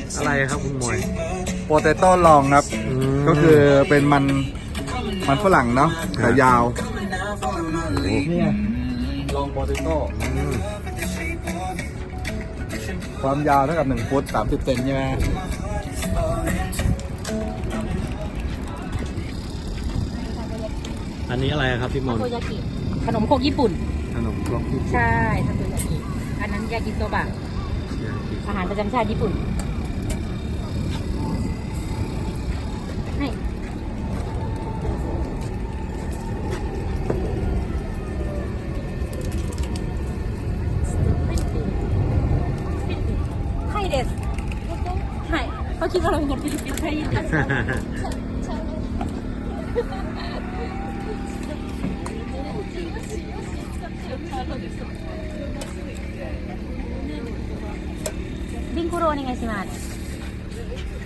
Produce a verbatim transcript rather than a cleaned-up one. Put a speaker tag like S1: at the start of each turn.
S1: อะไรครับคุณมวย
S2: โปเตโต้ลองครับ
S1: อืม
S2: ก็คือเป็นมันมันฝรั่งเนาะ
S1: ครั
S2: แต่
S1: บ
S2: ยาว
S1: โอ้โห
S2: นี่ลองโปเตโต้
S1: อืม
S2: ความยาวเท่ากับหนึ่งฟุตสามสิบเซนใช่ไหม
S1: อันนี้อะไรครับพี่ม
S3: ทาน
S1: น
S3: โกยากิขนมโคกญี่ปุ่น
S1: ขนมครกญี่ปุ่น
S3: ใช่ทาโกยากิอันนั้นยากิโซบะอาหารประจำชาติญี่ปุ่นให้ให้เดสให้เขาคิดว่าเราเป็นคนฟิลิปปินส์ให้เดส ビンコロお願いします。